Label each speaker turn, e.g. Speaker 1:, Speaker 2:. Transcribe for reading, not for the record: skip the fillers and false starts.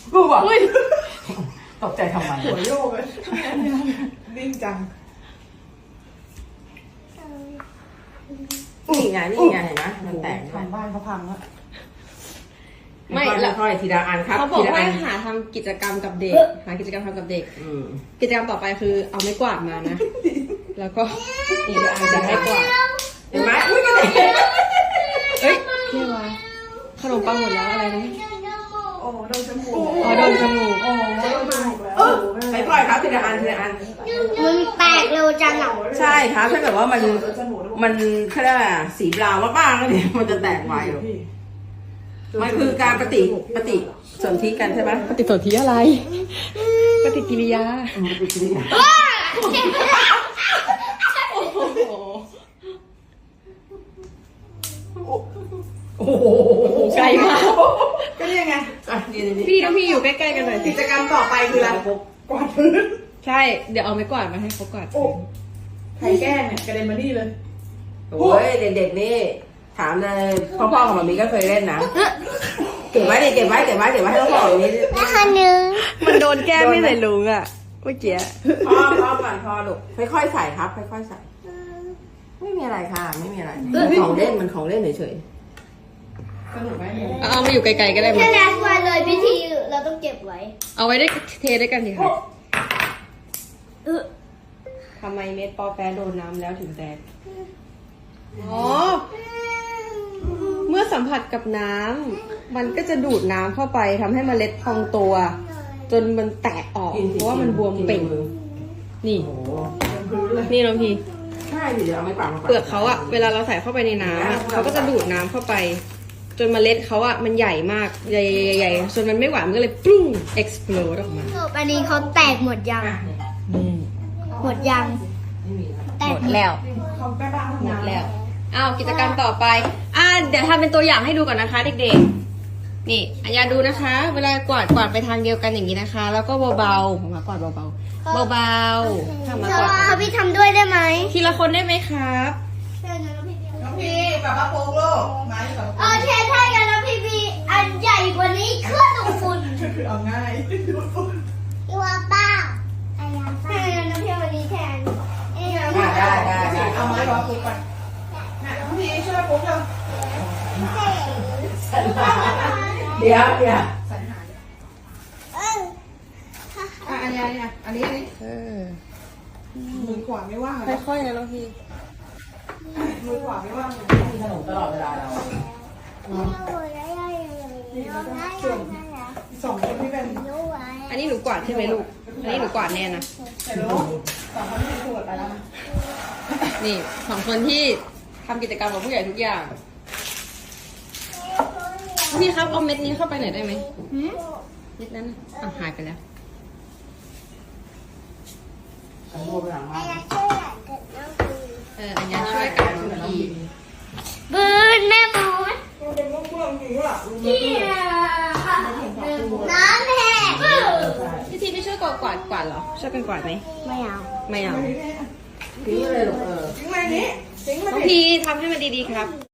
Speaker 1: กูบอกตกใจทำไม
Speaker 2: หัวโยกเลยนิ่งจัง
Speaker 1: นี่ไงนี่ไงเห็นไหมมันแตก
Speaker 2: ทำบ้านเขาพังแล้ว
Speaker 1: ไม่ละค่อยทีละอันครับ
Speaker 3: เขาบอก
Speaker 1: ทีละ
Speaker 3: ว่า
Speaker 1: อัน
Speaker 3: หาทำกิจกรรมกับเด็ก หากิจกรรมทำกับเด็ก
Speaker 1: ม
Speaker 3: กิจกรรมต่อไปคือเอาไม้กวาดมานะ แล้วก็อีกอันจะให้กวาด
Speaker 1: เห็นไหมอุ้ยก็แตก
Speaker 3: เอ้ยเรียกว่าขนมปังหมดแล้วอะไรนะ
Speaker 2: โอ้โดนจมูก
Speaker 3: อ๋อโดนจมูก
Speaker 2: โอ้โดนจมูกแล้ว
Speaker 1: ค่อยๆครับทีละอันทีละอัน
Speaker 4: มันแตกเร็วจังอ่ะ
Speaker 1: ใช่ครับถ้าเกิดว่ามันเขาเรียกอะไรสีบราวน์มากๆแล้วเนี่ยมันจะแตกไวหรอกมันคือการปฏิสนธิกันใช่ไหม
Speaker 3: ปฏิสนธิอะไร ปฏิกิริยา
Speaker 1: ปฏิกิริยา โอ้โห
Speaker 3: ไกลมาก
Speaker 2: ก็นี่ไง
Speaker 1: อ่ะนี่
Speaker 3: พี่น้องพี่อยู่ใกล้ๆกันหน่อยสิ
Speaker 2: กิจกรรมต่อไปคืออะไรกวาดพื้น
Speaker 3: ใช่ เดี๋ยวเอาไม้กวาดมาให้เขากวาด
Speaker 2: โอ้ใครแกล้งเนี่ยกระเด็นมานี่เลย
Speaker 1: โอ้ยเด็กๆนี่ถามเลยพ่อๆกับมามีก็เคยเล่นนะเก็บไว้ดิเก็บไว้ให้พ่อๆอย่างนี้
Speaker 4: นะคะนึง
Speaker 3: มันโดนแก้ไม่ใส่ลุงอ่ะเมื่อกี้
Speaker 1: พ่อก่อนพ่อลูกค่อยๆใส่ครับค่อยๆใส่ไม่มีอะไรค่ะไม่มีอะไรของเล่นมันของเล่นเฉย
Speaker 2: สนุกไหม
Speaker 3: เอามาอยู่ไกลๆก็ได้มั้
Speaker 4: แค่
Speaker 3: ย
Speaker 4: นั้นวันเลยพิธีเราต้องเก็บไว้
Speaker 3: เอาไว้ได้เทด้วยกันสิคะทำไมเม็ดปอแปะโดนน้ำแล้วถึงแตก อ๋อ เมื่อสัมผัสกับน้ำมันก็จะดูดน้ำเข้าไปทำให้เมล็ดพองตัว จนมันแตกออก
Speaker 1: ๆ
Speaker 3: เพราะว่ามันบวมเป่ง นี่
Speaker 1: โอ้โห
Speaker 3: นี่น้องพี
Speaker 1: ใช่ดิเดี๋ยวเอาไม้กวาดมา
Speaker 3: เปลือกเขาอะเวลาเราใส่เข้าไปในน้ำอะเขาก็จะดูดน้ำเข้าไป จนเมล็ดเขาอะมันใหญ่มากใหญ่ๆจนมันไม่ไหวมันก็เลยปุ้ง explode ออกมา
Speaker 4: อันนี้เขาแตกหมดยัง หมดยัง
Speaker 1: ไม่มีแล้ว
Speaker 4: แต
Speaker 3: ห
Speaker 4: ก
Speaker 3: มดแล้ว
Speaker 2: เขาแก้บ้าน
Speaker 3: หมดแล้ว อ้าวกิจกรรมต่อไป เดี๋ยวทำเป็นตัวอย่างให้ดูก่อนนะคะเด็กๆ นี่อัญญาดูนะคะ เวลากวาดไปทางเดียวกันอย่างนี้นะคะ แล้วก็เบาๆผมมากวาดเบาๆ เบาๆทำมากวาด
Speaker 4: เขาพี่ทำด้วยได้ไหม
Speaker 3: ทีละคนได้ไหมครับ
Speaker 2: น้องพี่แบบว่าโป๊กโลกมาที่แบบ
Speaker 4: เออใช่กันแล้วพี่พีอันใหญ่กว่านี้เครื่องดูดฝุ่น
Speaker 2: เอาง่าย
Speaker 4: ตัวเปล่าอะไรป้าน้ำเพียววันนี้แทน
Speaker 1: ได้
Speaker 2: เอาไม้รอปุ๊บก่อนน้องพี่ช่วยปุ๊บเลย
Speaker 1: เดี๋ยว
Speaker 2: สัญหาอันนี้มือขวาไม่ว่างเลย
Speaker 3: ค่อยๆนะน้องพี
Speaker 2: มือขวาไม่ว่างเลย
Speaker 1: มีขนมตลอดเวลาเรา
Speaker 2: สองคนที่เป็น
Speaker 3: อันนี้หนูกวาดใช่ไหมลูก อันนี้หนูกวาดแน่นะ
Speaker 2: แต่รู้สองคนที่เป็นตรวจไปแล้วนะ
Speaker 3: นี่สองคนที่ทำกิจกรรมกับผู้ใหญ่ทุกอย่างพี่ครับเอาเม็ดนี้เข้าไปหน่อยได้ไหมเม็ดนั้นน่ะหายไปแล้ว
Speaker 1: ฉันโง่ไปหลังมาก
Speaker 3: อัญญาช่วยกันทุกที
Speaker 4: บืนแม่หมด
Speaker 2: มันเป็นม่วงๆจริงว่ะลุง
Speaker 4: ที่น้ำแห้ง
Speaker 3: พี่ทีไม่ช่วยกวาดเหรอ ช่วยกันกวาดไหม
Speaker 4: ไม่เอา
Speaker 3: ไม่เอา
Speaker 1: ทิ้งเลยลูก
Speaker 2: ทิ้งมานี้ทิ้งมา
Speaker 3: น้อง
Speaker 2: ดิ
Speaker 3: พีทำให้มันดีๆครับ